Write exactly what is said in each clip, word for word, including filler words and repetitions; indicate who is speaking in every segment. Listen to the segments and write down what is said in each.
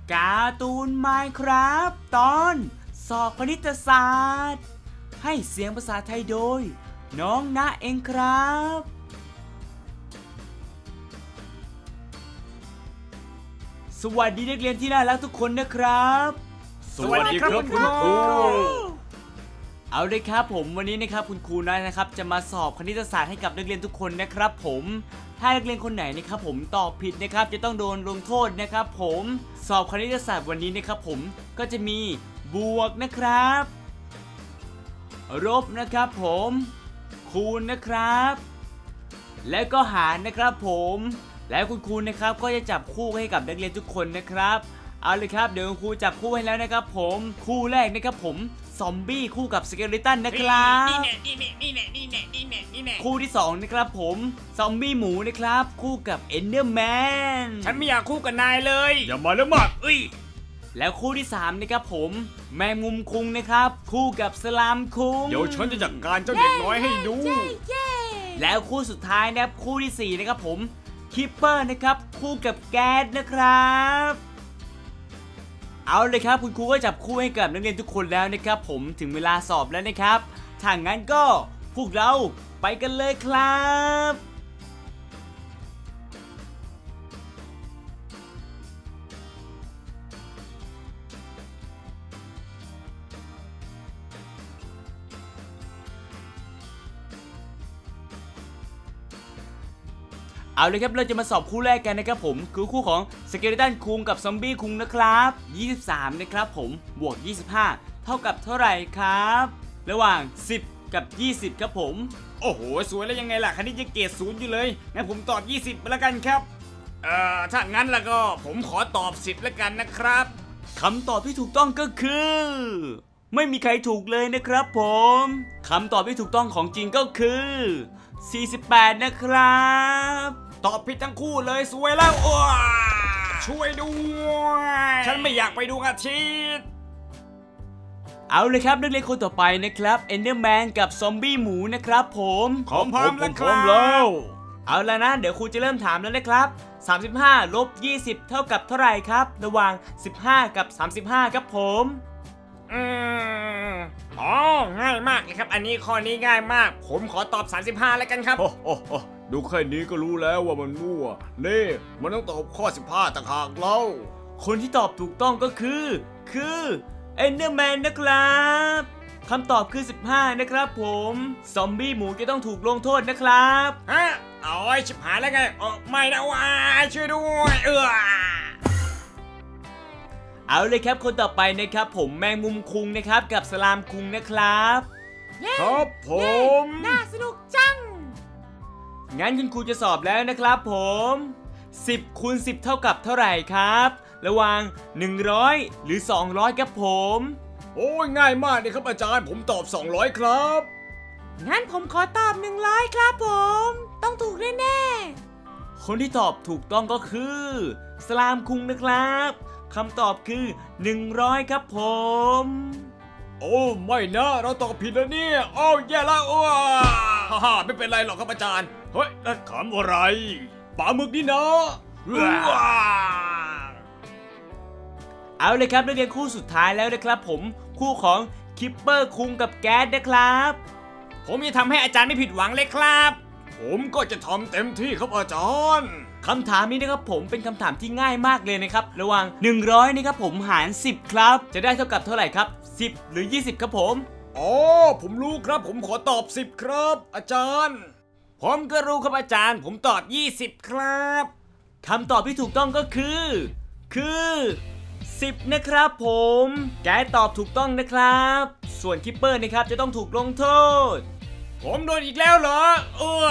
Speaker 1: การ์ตูน Minecraft ตอนสอบคณิตศาสตร์ให้เสียงภาษาไทยโดยน้องณเองครับสวัสดีนักเรียนที่น่ารักทุกคนนะครับ
Speaker 2: สวัสดีครับคุณครู
Speaker 1: เอาเลยครับผมวันนี้นะครับคุณครูน้อยนะครับจะมาสอบคณิตศาสตร์ให้กับนักเรียนทุกคนนะครับผมถ้านักเรียนคนไหนนะครับผมตอบผิดนะครับจะต้องโดนลงโทษนะครับผมสอบคณิตศาสตร์วันนี้นะครับผมก็จะมีบวกนะครับลบนะครับผมคูณนะครับและก็หารนะครับผมแล้วคุณครูนะครับก็จะจับคู่ให้กับนักเรียนทุกคนนะครับเอาเลยครับเดี๋ยวคุณครูจับคู่ให้แล้วนะครับผมคู่แรกนะครับผมซอมบี้คู่กับสเกเลตันนะครับนี่แน่นี่แน่นี่แน่นี่แน่นี่แน่นี่แน่คู่ที่สองนะครับผมซอมบี้หมูนะครับคู่กับเอนเดอร์แมน
Speaker 2: ฉันไม่อยากคู่กับนายเลยอย่ามาแล้วมากเอ้ย
Speaker 1: แล้วคู่ที่สามนะครับผมแมงมุมคุงนะครับคู่กับสลามคุง
Speaker 2: เดี๋ยวฉันจะจัดการเจ้าเด็กน้อยให้ดู
Speaker 1: แล้วคู่สุดท้ายนะครับคู่ที่สี่นะครับผมคิปเปอร์นะครับคู่กับแก๊สนะครับเอาเลยครับคุณครูก็จับคู่ให้กับนักเรียนทุกคนแล้วนะครับผมถึงเวลาสอบแล้วนะครับถ้างั้นก็พวกเราไปกันเลยครับเอาเลยครับเราจะมาสอบคู่แรกกันนะครับผมคือคู่ของสเกเลตันคุงกับซอมบี้คุงนะครับยี่สิบสามนะครับผมบวกยี่สิบห้าเท่ากับเท่าไหร่ครับระหว่างสิบกับยี่สิบครับผม
Speaker 2: โอ้โหสวยแล้วยังไงล่ะคณิตยังเกรดศูนย์อยู่เลยงั้นผมตอบยี่สิบไปแล้วกันครับเอ่อถ้างั้นแล้วก็ผมขอตอบสิบแล้วกันนะครับ
Speaker 1: คำตอบที่ถูกต้องก็คือไม่มีใครถูกเลยนะครับผมคำตอบที่ถูกต้องของจริงก็คือสี่สิบแปดนะครับ
Speaker 2: ตอบผิดทั้งคู่เลยสวยแล้วอ้วช่วยด้วยฉันไม่อยากไปดูอาทิตย์
Speaker 1: เอาเลยครับนักเรียนคนต่อไปนะครับเอนเดอร์แมนกับซอมบี้หมูนะครับผม
Speaker 2: ขอพร้อมแล้วครับ
Speaker 1: เอาแล้วนะเดี๋ยวครูจะเริ่มถามแล้วนะครับสามสิบห้าลบยี่สิบเท่ากับเท่าไหร่ครับระหว่างสิบห้ากับสามสิบห้าครับผม
Speaker 2: อืมอ๋อง่ายมากเลยครับอันนี้ข้อนี้ง่ายมากผมขอตอบสามสิบห้าแล้วกันครับ
Speaker 3: โอ้โหดูแค่นี้ก็รู้แล้วว่ามันมั่วนี่มันต้องตอบข้อสิบห้าต่างหากเล่า
Speaker 1: คนที่ตอบถูกต้องก็คือคือเอนเดอร์แมนนะครับคำตอบคือสิบห้านะครับผมซอมบี้หมูจะต้องถูกลงโทษนะครับ
Speaker 2: ฮะเอาไอ้ชิบหายแล้วไงเออไม่นะวายช่วยด้วยเออ
Speaker 1: เอาเลยครับคนต่อไปนะครับผมแมงมุมคุงนะครับกับสลามคุงนะครับ
Speaker 3: ครับผม
Speaker 4: น่าสนุกจัง
Speaker 1: งั้นคุณครูจะสอบแล้วนะครับผมสิบคูณสิบเท่ากับเท่าไหร่ครับระหว่างหนึ่งร้อยหรือสองร้อยครับผม
Speaker 3: โอ้ยง่ายมากเลยครับอาจารย์ผมตอบสองร้อยครับ
Speaker 4: งั้นผมขอตอบหนึ่งร้อยครับผมต้องถูกแน่
Speaker 1: ๆคนที่ตอบถูกต้องก็คือสลามคุงนะครับคำตอบคือหนึ่งร้อยครับผม
Speaker 3: โอ้ไม่นะเราตอบผิดแล้วเนี่ยโอ้แย่แล้วอ้วฮ่าฮ่าไม่เป็นไรหรอกครับอาจารย์เฮ้ยนั่นขำอะไรปลาหมึกนี่นะ
Speaker 1: เอาเลยครับนักเรียนคู่สุดท้ายแล้วนะครับผมคู่ของคิปเปอร์คุงกับแก๊สนะครับ
Speaker 2: ผมจะทำให้อาจารย์ไม่ผิดหวังเลยครับ
Speaker 3: ผมก็จะทำเต็มที่ครับอาจารย์
Speaker 1: คำถามนี้นะครับผมเป็นคำถามที่ง่ายมากเลยนะครับระหว่างหนึ่งร้อยนะครับผมหารสิบครับจะได้เท่ากับเท่าไหร่ครับสิบหรือยี่สิบครับผม
Speaker 3: อ๋อผมรู้ครับผมขอตอบสิบครับอาจารย์
Speaker 2: ผมก็รู้ครับอาจารย์ผมตอบยี่สิบครับ
Speaker 1: คำตอบที่ถูกต้องก็คือคือสิบนะครับผมแกตอบถูกต้องนะครับส่วนคิปเปอร์นะครับจะต้องถูกลงโทษ
Speaker 2: ผมโดนอีกแล้วเหรอเออ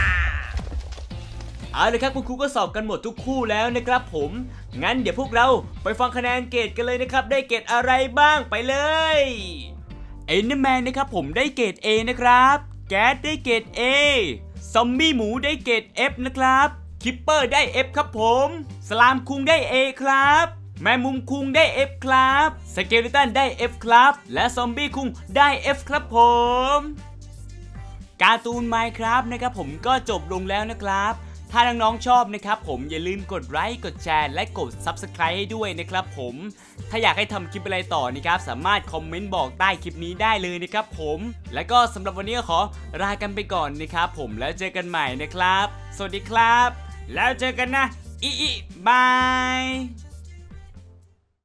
Speaker 1: เอาเลยครับคุณครูก็สอบกันหมดทุกคู่แล้วนะครับผมงั้นเดี๋ยวพวกเราไปฟังคะแนนเกรดกันเลยนะครับได้เกรดอะไรบ้างไปเลยเอนเดอร์แมนนะครับผมได้เกรด A นะครับแก๊สได้เกรด A ซอมบี้หมูได้เกรด F นะครับคิปเปอร์ได้ F ครับผมสลามคุงได้ A ครับแมงมุมคุงได้ F ครับสเกเลตันได้ F ครับและซอมบี้คุงได้ F ครับผมการ์ตูน Minecraft นะครับผมก็จบลงแล้วนะครับถ้าน้องๆชอบนะครับผมอย่าลืมกดไลค์กดแชร์และกด ซับสไครบ์ ให้ด้วยนะครับผมถ้าอยากให้ทำคลิปอะไรต่อนะครับสามารถคอมเมนต์บอกใต้คลิปนี้ได้เลยนะครับผมแล้วก็สำหรับวันนี้ก็ขอลากันไปก่อนนะครับผมแล้วเจอกันใหม่นะครับสวัสดีครับแล้วเจอกันนะอีอีบาย